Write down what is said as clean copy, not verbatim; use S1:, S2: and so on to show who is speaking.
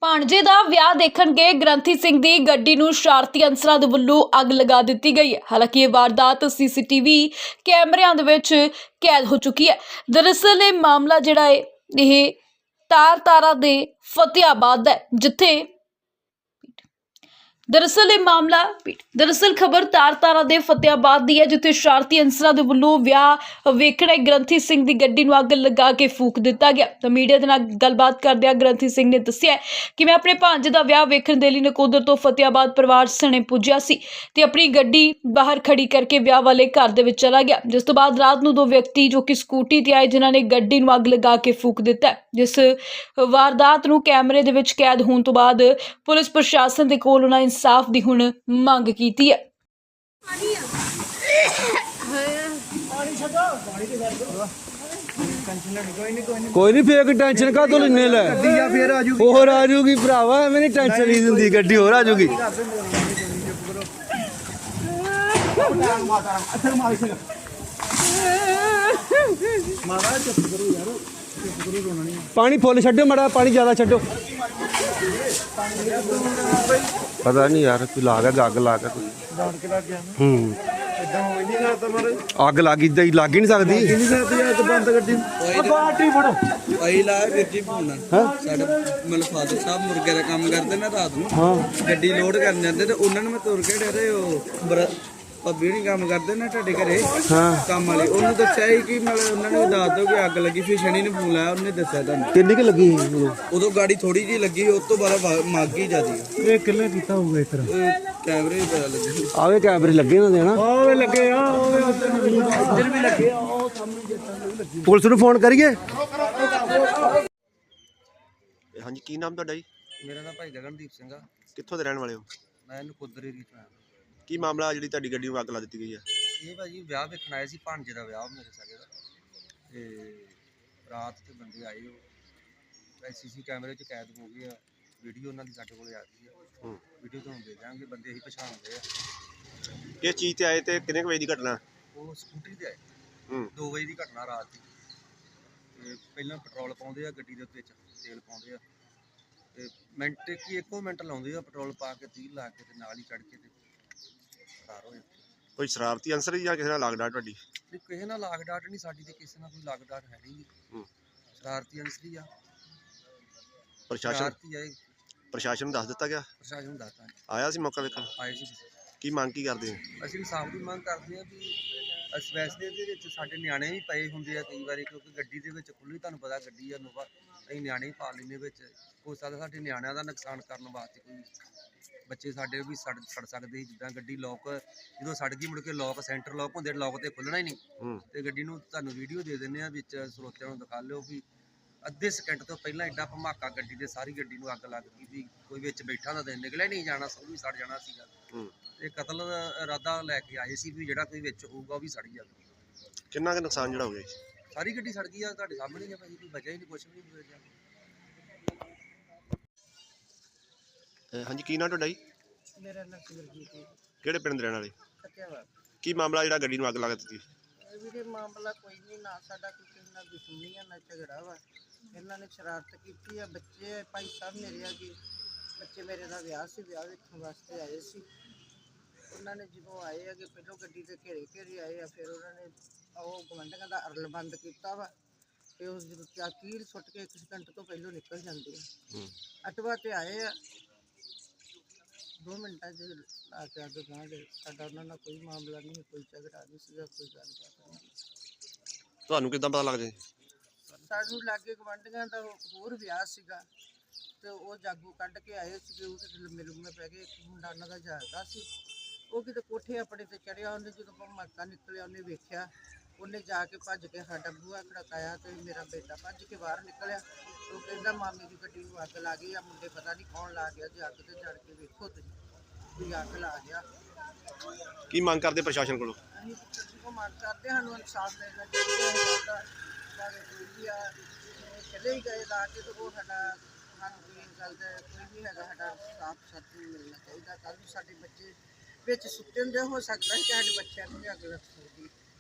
S1: ਭਾਣਜੇ ਦਾ ਵਿਆਹ ਦੇਖਣ ਗਏ ਗ੍ਰੰਥੀ ਸਿੰਘ ਦੀ ਗੱਡੀ ਨੂੰ ਸ਼ਰਾਰਤੀ ਅਨਸਰਾਂ ਦੇ ਵੱਲੋਂ ਅੱਗ ਲਗਾ ਦਿੱਤੀ ਗਈ ਹੈ। ਹਾਲਾਂਕਿ ਇਹ ਵਾਰਦਾਤ ਸੀਸੀਟੀਵੀ ਕੈਮਰਿਆਂ ਦੇ ਵਿੱਚ ਕੈਦ ਹੋ ਚੁੱਕੀ ਹੈ। ਦਰਅਸਲ ਇਹ ਮਾਮਲਾ ਜਿਹੜਾ ਹੈ ਇਹ ਤਾਰਾ ਦੇ ਫਤਿਆਬਾਦ ਦਾ ਹੈ, ਜਿੱਥੇ ਦਰਅਸਲ ਖਬਰ ਤਾਰਾ ਦੇ ਫਤਿਆਬਾਦ ਦੀ ਹੈ, ਜਿੱਥੇ ਸ਼ਰਾਰਤੀ ਅਨਸਰਾਂ ਦੇ ਵੱਲੋਂ ਵਿਆਹ ਵੇਖਣ ਗ੍ਰੰਥੀ ਸਿੰਘ ਦੀ ਗੱਡੀ ਨੂੰ ਅੱਗ ਲਗਾ ਕੇ ਫੂਕ ਦਿੱਤਾ ਗਿਆ। ਤਾਂ ਮੀਡੀਆ ਦੇ ਨਾਲ ਗੱਲਬਾਤ ਕਰਦਿਆਂ ਗ੍ਰੰਥੀ ਸਿੰਘ ਨੇ ਦੱਸਿਆ ਕਿ ਮੈਂ ਆਪਣੇ ਭਾਂਜੇ ਦਾ ਵਿਆਹ ਵੇਖਣ ਦੇ ਲਈ ਨਕੋਦਰ ਤੋਂ ਫਤਿਆਬਾਦ ਪਰਿਵਾਰ ਸਣੇ ਪੁੱਜਿਆ ਸੀ ਤੇ ਆਪਣੀ ਗੱਡੀ ਬਾਹਰ ਖੜੀ ਕਰਕੇ ਵਿਆਹ ਵਾਲੇ ਘਰ ਦੇ ਵਿੱਚ ਚਲਾ ਗਿਆ, ਜਿਸ ਤੋਂ ਬਾਅਦ ਰਾਤ ਨੂੰ ਦੋ ਵਿਅਕਤੀ ਜੋ ਕਿ ਸਕੂਟੀ ਤੇ ਆਏ ਜਿਨ੍ਹਾਂ ਨੇ ਗੱਡੀ ਨੂੰ ਅੱਗ ਲਗਾ ਕੇ ਫੂਕ ਦਿੱਤਾ। ਜਿਸ ਵਾਰਦਾਤ ਨੂੰ ਕੈਮਰੇ ਦੇ ਵਿੱਚ ਕੈਦ ਹੋਣ ਤੋਂ ਬਾਅਦ ਪੁਲਿਸ ਪ੍ਰਸ਼ਾਸਨ ਦੇ ਕੋਲ ਉਹਨਾਂ इंसाफ दी हुण मंग कीती है।
S2: कोई नहीं फेक टेंशन का तो लेने ले और आ जाऊगी भरावा मैंने टेंशन नहीं दिंदी गड्डी और आ जाऊगी। पानी फुल छड्डो मड़ा पानी ज्यादा छड्डो पता नहीं यार कोई ला गया अग ला गया अग लग लग ही नहीं सकती
S3: फादर साहब मुर्गे का काम करते ना रात में गड्डी लोड कर जाते उन्होंने मैं तुर के डरे भाभी नहीं काम करते ना ढाडे घरे काम वाले उन्होंने दस्या कि मतलब उन्होंने दस दो कि अग लगी फिर शनि ने फोन लाया उन्हें दस्या तुहानू
S2: किन्नी क लगी
S3: उदो गाड़ी थोड़ी जी लगी उस तो बाद मग ही जाती
S2: ये किन्ने कीता होगा इस तरह
S3: कैमरे ही पता लगे
S2: आवे कैमरे लगे ना देना आवे लगे
S3: इधर भी लगे
S2: पुलिस ਨੂੰ ਫੋਨ ਕਰੀਏ।
S4: ਹਾਂਜੀ ਕੀ ਨਾਮ ਤੁਹਾਡਾ ਜੀ?
S3: मेरा नाम भाई गगनदीप सिंह आ
S4: ਕਿੱਥੋਂ ਦੇ ਰਹਿਣ ਵਾਲੇ ਹੋ?
S3: मैं नकोदर एरिया ਤੋਂ आया
S4: ਕੀ ਮਾਮਲਾ ਜਿਹੜੀ ਤੁਹਾਡੀ ਗੱਡੀ ਨੂੰ ਅੱਗ ਲਾ ਦਿੱਤੀ ਗਈ ਹੈ?
S3: ਇਹ ਭਾਜੀ ਵਿਆਹ ਵੇਖਣ ਆਏ ਸੀ ਭਾਂਜੇ ਦਾ ਵਿਆਹ ਮੇਰੇ ਸਕੇ ਦਾ ਤੇ ਰਾਤ ਤੇ ਬੰਦੇ ਆਏ ਉਹ ਐਸਸੀਸੀ ਕੈਮਰੇ 'ਚ ਕੈਦ ਹੋ ਗਏ ਆ ਵੀਡੀਓ ਉਹਨਾਂ ਦੀ ਸਾਡੇ ਕੋਲ ਆ ਗਈ ਆ ਵੀਡੀਓ ਤੁਹਾਨੂੰ ਦੇ ਦਾਂਗੇ ਬੰਦੇ ਹੀ ਪਛਾਣਦੇ ਆ
S4: ਕਿਸ ਚੀਜ਼ ਤੇ ਆਏ ਤੇ ਕਿੰਨੇ ਵਜੇ ਦੀ ਘਟਨਾ?
S3: ਉਹ ਸਕੂਟਰੀ ਤੇ ਆਏ 2 ਵਜੇ ਦੀ ਘਟਨਾ ਰਾਤ ਦੀ ਤੇ ਪਹਿਲਾਂ ਪੈਟਰੋਲ ਪਾਉਂਦੇ ਆ ਗੱਡੀ ਦੇ ਵਿੱਚ ਤੇਲ ਪਾਉਂਦੇ ਆ ਤੇ ਮਿੰਟ ਕੀ ਇੱਕੋ ਮਿੰਟ ਲਾਉਂਦੇ ਆ ਪੈਟਰੋਲ ਪਾ ਕੇ 30 ਲਾ ਕੇ ਤੇ ਨਾਲ ਹੀ ਚੜ ਕੇ ਤੇ
S4: ਕੋਈ ਸ਼ਰਾਰਤੀ ਅੰਸਰ ਜਾਂ ਕਿਸੇ ਨਾਲ ਲੱਗਦਾ ਤੁਹਾਡੀ?
S3: ਕਿਸੇ ਨਾਲ ਲਾਗ ਡਾਟ ਨਹੀਂ ਸਾਡੀ ਤੇ ਕਿਸੇ ਨਾਲ ਕੋਈ ਲਾਗ ਡਾਟ ਹੈ ਨਹੀਂ ਸ਼ਰਾਰਤੀ ਅੰਸਰੀ ਆ
S4: ਪ੍ਰਸ਼ਾਸਨ ਨੂੰ ਦੱਸ ਦਿੱਤਾ ਗਿਆ?
S3: ਪ੍ਰਸ਼ਾਸਨ ਨੂੰ ਦੱਸਤਾ
S4: ਆਇਆ ਸੀ ਮੌਕਾ ਵੇਖਣ?
S3: ਆਏ ਸੀ
S4: ਕੀ ਮੰਗ ਕੀ ਕਰਦੇ ਹੋ?
S3: ਅਸੀਂ ਇਨਸਾਫ ਦੀ ਮੰਗ ਕਰਦੇ ਹਾਂ ਵੀ ਇਸ ਵੈਸੇ ਦੇ ਵਿੱਚ ਸਾਡੇ ਨਿਆਣੇ ਵੀ ਪਏ ਹੁੰਦੇ ਆ ਕਈ ਵਾਰੀ ਕਿਉਂਕਿ ਗੱਡੀ ਦੇ ਵਿੱਚ ਖੁੱਲੀ ਤੁਹਾਨੂੰ ਪਤਾ ਗੱਡੀ ਆ ਨੋਵਾ ਅਸੀਂ ਨਿਆਣੇ ਹੀ ਪਾ ਲੈਂਦੇ ਵਿੱਚ ਹੋ ਸਕਦਾ ਸਾਡੇ ਨਿਆਣਿਆਂ ਦਾ ਨੁਕਸਾਨ ਕਰਨ ਵਾਸਤੇ ਕੋਈ ਬੱਚੇ ਸਾਡੇ ਵੀ ਸੜ ਸਕਦੇ ਸੀ ਜਿੱਦਾਂ ਗੱਡੀ ਲੋਕ ਜਦੋਂ ਸੜ ਗਈ ਮੁੜ ਕੇ ਲੋਕ ਸੈਂਟਰ ਲੋਕ ਹੁੰਦੇ ਲੋਕ ਤੇ ਖੁੱਲਣਾ ਹੀ ਨਹੀਂ ਤੇ ਗੱਡੀ ਨੂੰ ਤੁਹਾਨੂੰ ਵੀਡੀਓ ਦੇ ਦਿੰਦੇ ਆ ਵਿੱਚ ਸਰੋਤਿਆਂ ਨੂੰ ਦਿਖਾ ਲਿਓ ਵੀ ਅੱਧੇ ਸਕਿੰਟ ਤੋਂ ਪਹਿਲਾਂ ਐਡਾ ਧਮਾਕਾ ਗੱਡੀ ਦੇ ਸਾਰੀ ਗੱਡੀ ਨੂੰ ਅੱਗ ਲੱਗ ਗਈ ਵੀ ਕੋਈ ਵਿੱਚ ਬੈਠਾ ਨਾ ਤੇ ਨਿਕਲਿਆ ਨਹੀਂ ਜਾਣਾ ਸਭ ਵੀ ਸੜ ਜਾਣਾ ਸੀਗਾ ਤੇ ਕਤਲ ਦਾ ਇਰਾਦਾ ਲੈ ਕੇ ਆਏ ਸੀ ਵੀ ਜਿਹੜਾ ਕੋਈ ਵਿੱਚ ਹੋਊਗਾ ਉਹ ਵੀ ਸੜ ਜਾਵੇ।
S4: ਕਿੰਨਾ ਕੁ ਨੁਕਸਾਨ ਜਿਹੜਾ ਹੋ ਗਿਆ?
S3: ਸਾਰੀ ਗੱਡੀ ਸੜ ਗਈ ਆ ਤੁਹਾਡੇ ਸਾਹਮਣੇ ਹੀ ਆ ਭਾਜੀ ਕੋਈ ਬਚਿਆ ਹੀ ਨਹੀਂ ਕੁਛ ਵੀ ਨਹੀਂ ਹੋਇਆ।
S4: ਹਾਂਜੀ ਕੀ ਨਾਮ ਤੁਹਾਡਾ ਜੀ?
S5: ਮੇਰਾ ਨਾਮ ਸਿਮਰਜੀਤ ਹੈ।
S4: ਕਿਹੜੇ ਪਿੰਡ ਦੇ ਰਹਿਣ ਵਾਲੇ?
S5: ਫਤਿਆਬਾਦ।
S4: ਕੀ ਮਾਮਲਾ ਜਿਹੜਾ ਗੱਡੀ ਨੂੰ ਅੱਗ ਲਾ ਦਿੱਤੀ?
S5: ਵੀਰੇ ਮਾਮਲਾ ਕੋਈ ਨਹੀਂ ਨਾ ਸਾਡਾ ਕੋਈ ਕਿਸੇ ਨਾਲ ਦੁਸ਼ਮਣੀ ਆ ਨਾ ਝਗੜਾ ਵਾ ਇਹਨਾਂ ਨੇ ਸ਼ਰਾਰਤ ਕੀਤੀ ਆ ਬੱਚੇ ਭਾਈ ਸਾਹਿਬ ਮੇਰੇ ਆ ਕਿ ਬੱਚੇ ਮੇਰੇ ਦਾ ਵਿਆਹ ਸੀ ਵਿਆਹ ਵੇਖਣ ਵਾਸਤੇ ਆਏ ਸੀ ਉਹਨਾਂ ਨੇ ਜਦੋਂ ਆਏ ਆ ਕਿ ਪਹਿਲਾਂ ਗੱਡੀ ਤੇ ਘੇਰੇ ਆਏ ਆ ਫਿਰ ਉਹਨਾਂ ਨੇ ਉਹ ਗਵੰਡੀਆਂ ਦਾ ਅਰਲ ਬੰਦ ਕੀਤਾ ਵਾ ਤੇ ਉਸ ਜਦੋਂ ਚਾਕੀਰ ਸੁੱਟ ਕੇ 1 ਸਕਿੰਟ ਤੋਂ ਪਹਿਲਾਂ ਨਿਕਲ ਜਾਂਦੇ ਆ ਅਟਵਾ ਤੇ ਆਏ ਆ 2 ਮਿੰਟਾਂ 'ਚ ਆ ਕੇ ਅੱਗੇ ਗਾਂਗੇ ਸਾਡਾ ਉਹਨਾਂ ਨਾਲ ਕੋਈ ਮਾਮਲਾ ਨਹੀਂ ਕੋਈ ਝਗੜਾ ਨਹੀਂ ਸੀਗਾ ਕੋਈ ਗੱਲਬਾਤ ਨਹੀਂ।
S4: ਤੁਹਾਨੂੰ ਕਿੱਦਾਂ ਪਤਾ ਲੱਗਦਾ?
S5: ਸਾਨੂੰ ਲਾਗੇ ਗਵਾਂਢੀਆਂ ਦਾ ਹੋਰ ਵਿਆਹ ਸੀਗਾ ਤੇ ਉਹ ਜਾਗੂ ਕੱਢ ਕੇ ਆਏ ਸੀਗੇ ਉਹ ਤੇ ਲੰਮੇ ਲੰਮੇ ਪੈ ਗਏ ਮੁੰਡਾ ਉਹਨਾਂ ਦਾ ਜਾਗਦਾ ਸੀ ਉਹ ਕਿਤੇ ਕੋਠੇ ਆਪਣੇ ਤੇ ਚੜਿਆ ਉਹਨੇ ਜਦੋਂ ਧਮਾਕਾ ਨਿਕਲਿਆ ਉਹਨੇ ਵੇਖਿਆ ਉਹਨੇ ਜਾ ਕੇ ਭੱਜ ਕੇ ਸਾਡਾ ਬੂਹਾ ਖੜਕਾਇਆ ਤੇ ਮੇਰਾ ਬੇਟਾ ਭੱਜ ਕੇ ਬਾਹਰ ਨਿਕਲਿਆ ਉਹ ਕਹਿੰਦਾ ਮਾਮੀ ਦੀ ਗੱਡੀ ਨੂੰ ਅੱਗ ਲਾ ਗਈ ਆ ਮੁੰਡੇ ਪਤਾ ਨਹੀਂ ਕੌਣ ਲਾ ਗਿਆ ਜੇ ਅੱਗ ਤੇ ਜੜ ਕੇ ਵੇਖੋ ਤੁਸੀਂ ਕੋਈ ਅੱਗ ਲਾ ਗਿਆ।
S4: ਕੀ ਮੰਗ ਕਰਦੇ ਪ੍ਰਸ਼ਾਸਨ ਕੋਲੋਂ?
S5: ਅਸੀਂ ਪ੍ਰਸ਼ਾਸਨ ਕੋਲ ਮੰਗ ਕਰਦੇ ਸਾਨੂੰ ਇਨਸਾਫ ਮਿਲਣਾ ਚਾਹੀਦਾ ਕੋਈ ਵੀ ਆ ਚਲੇ ਹੀ ਗਏ ਲਾ ਕੇ ਤੇ ਉਹ ਸਾਡਾ ਸਾਨੂੰ ਕੋਈ ਗੱਲ ਦਾ ਕੋਈ ਵੀ ਹੈਗਾ ਸਾਡਾ ਸਾਫ ਸੱਚ ਮਿਲਣਾ ਚਾਹੀਦਾ ਕੱਲ੍ਹ ਨੂੰ ਸਾਡੇ ਬੱਚੇ ਵਿੱਚ ਸੁੱਤੇ ਹੁੰਦੇ ਹੋ ਸਕਦਾ ਕਿ ਸਾਡੇ ਬੱਚਿਆਂ ਨੂੰ ਵੀ ਅੱਗ ਲੱਗ ਸਕਦੀ।